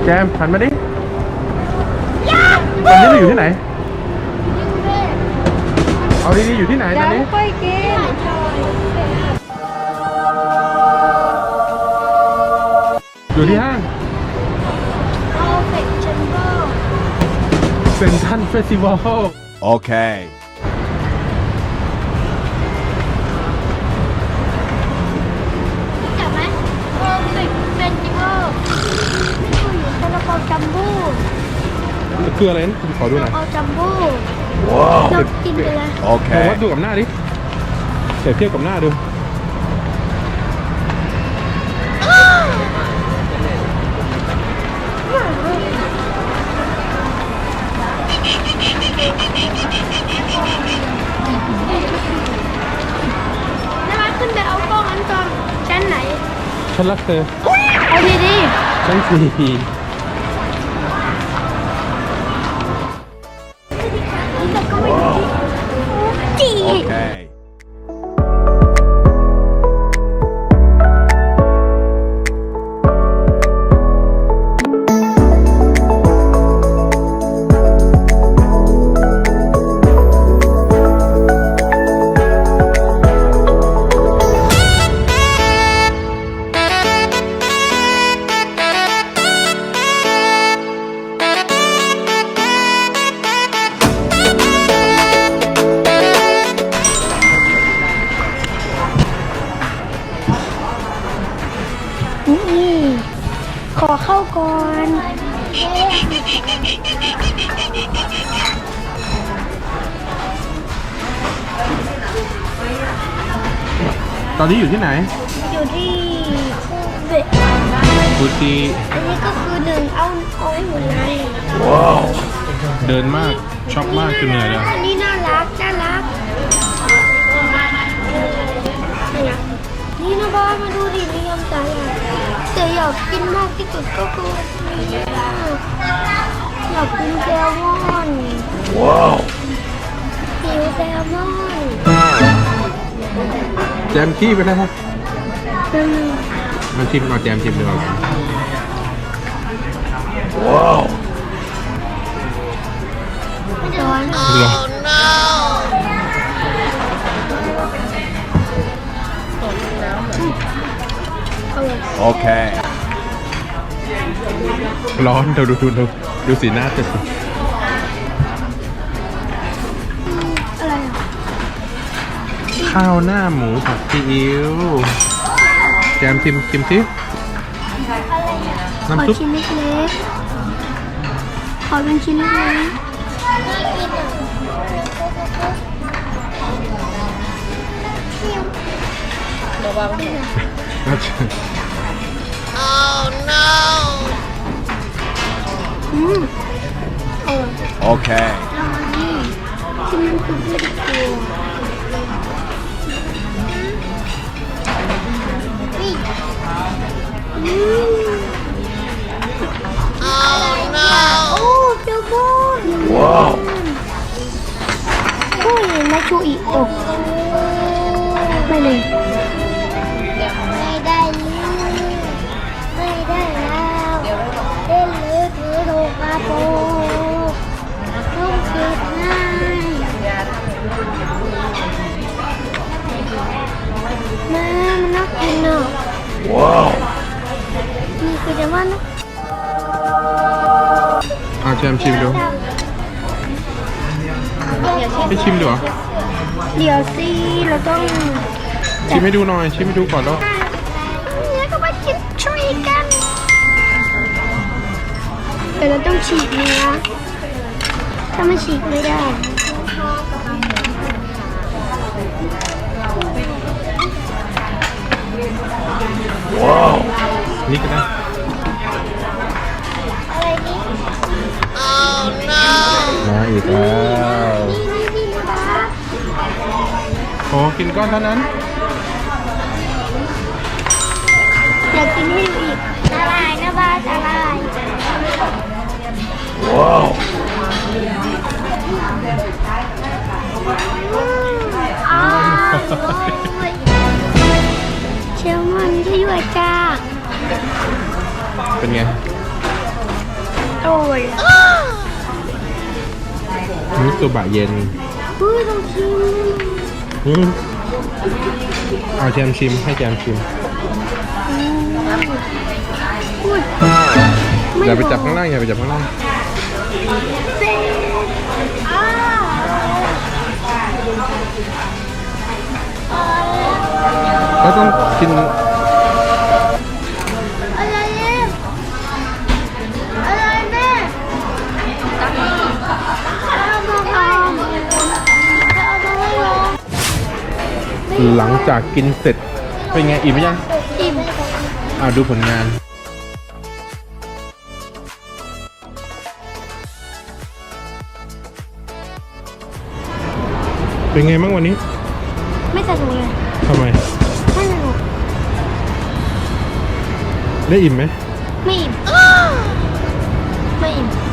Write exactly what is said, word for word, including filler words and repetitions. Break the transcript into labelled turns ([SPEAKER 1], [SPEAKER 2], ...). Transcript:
[SPEAKER 1] จมหันมาดิตอนนี้เราอยู่ที่ไหนเอาดีๆอยู่ที่ไหนตอนนี้
[SPEAKER 2] ค่อยกิน
[SPEAKER 1] อยู่ที่ห้างเซนทรัลเฟสติวัลโอเค
[SPEAKER 2] จับไหมโอเฟกเฟสติวัลอยู่ซาลาเปาจัมโบ้
[SPEAKER 1] คืออะไรนะขอดูหน่อย
[SPEAKER 2] ซาลาเปาจัมโบ้ว้าวเรากินไปเลย
[SPEAKER 1] โอเควัดดูกับหน้าดิเทียบเทียบกับหน้าดู
[SPEAKER 2] ขึ้นไปเอากล้องอันตอนชั้นไหน
[SPEAKER 1] ฉันรักเธอ
[SPEAKER 2] เอาดีดี
[SPEAKER 1] ชั้นสี่
[SPEAKER 2] แต่ก็ไม่ดีจีโอเคขอเข้าก่อน
[SPEAKER 1] ตอนนี้อยู่ที่ไหน
[SPEAKER 2] อยู่ที่เบะ
[SPEAKER 1] ฟูจิ
[SPEAKER 2] อันนี้ก็คือหนึ่งเอาเอาให้หมดเลย
[SPEAKER 1] ว้าวเดินมากชอบมากจนเหนื่อยแล้ว
[SPEAKER 2] อันนี้น่ารักน่ารักนี่นะบ้ามาดูดินิยมใจแต่อยากกินมากที่สุดก็คืออยากกินแซลมอนว้าวหิวแซลมอน
[SPEAKER 1] แจมขี้ไปแล้วครับมาชิมเอาแจมชิมดูว้าว
[SPEAKER 2] ร้อน
[SPEAKER 1] โอเคร้อนดูดูดูดูดูสีหน้าจะ
[SPEAKER 2] อะไรอ่ะ
[SPEAKER 1] ข้าวหน้าหมูผัดซีอิ๊วแจมชิมชิมสิ
[SPEAKER 2] น้ำซุปขอชิ้นเล็กๆขอเป็นชิ้นเล็กๆระวังOh no อืม
[SPEAKER 1] โอเค
[SPEAKER 2] ชิมน้ำซุปเล็กตัวอืม Oh no โอ้เจ้าบอนว้าวโอ้ยมาชูอีกโอ้ไม่เลยไม่ได้ไม่ได้แล้วเล่นหรือถือโทรกระโปรงต้องเก็บง่ายแม่มันน่ากินอ่ะว้าวนี่คือจะว่านะ
[SPEAKER 1] อาแจมชิมดูไม่ชิมดูเหรอ
[SPEAKER 2] เดี๋ยวสิเราต้อง
[SPEAKER 1] ชิมให้ดูหน่อยชิมให้ดูก่อนแล้ว
[SPEAKER 2] เนี่ยก็มากินช่วยกันแต่เราต้องฉีกเนื้อถ้าไม่ฉีกไม่ได้
[SPEAKER 1] ว้าวนี่ก็ได้
[SPEAKER 2] อะไรนี่ Oh no
[SPEAKER 1] มาอีกแล้วโอ้กินก้อนเท่านั้น
[SPEAKER 2] อยากกินให้อีกละลายนะบ้าละลาย
[SPEAKER 1] ว้าว
[SPEAKER 2] เชลมันที่อยู่จ้า
[SPEAKER 1] เป็นไง
[SPEAKER 2] ย
[SPEAKER 1] มิโซบะเย็น
[SPEAKER 2] เฮ้ยต้องชิม
[SPEAKER 1] อืมเอาแจมชิมให้แจมชิม
[SPEAKER 2] อุ้ย
[SPEAKER 1] อย่าไปจับข้างล่างอย่าไปจับข้างล่าง
[SPEAKER 2] เซ็งอ้าอะไร
[SPEAKER 1] ก็ต้องกิน
[SPEAKER 2] อะไรเนี่ยอะไรแม่เอามาทำเอามาให้ลอง
[SPEAKER 1] หลังจากกินเสร็จเป็นไงอิ่มไหมยัง
[SPEAKER 2] อิ่ม
[SPEAKER 1] อ่าดูผลงาน เป็นไงบ้างวันนี้
[SPEAKER 2] ไม่สนุกเลย
[SPEAKER 1] ทำไม
[SPEAKER 2] ไม่สนุก
[SPEAKER 1] ได้อิ่มไหม
[SPEAKER 2] ไม่อิ่มไม่อิ่ม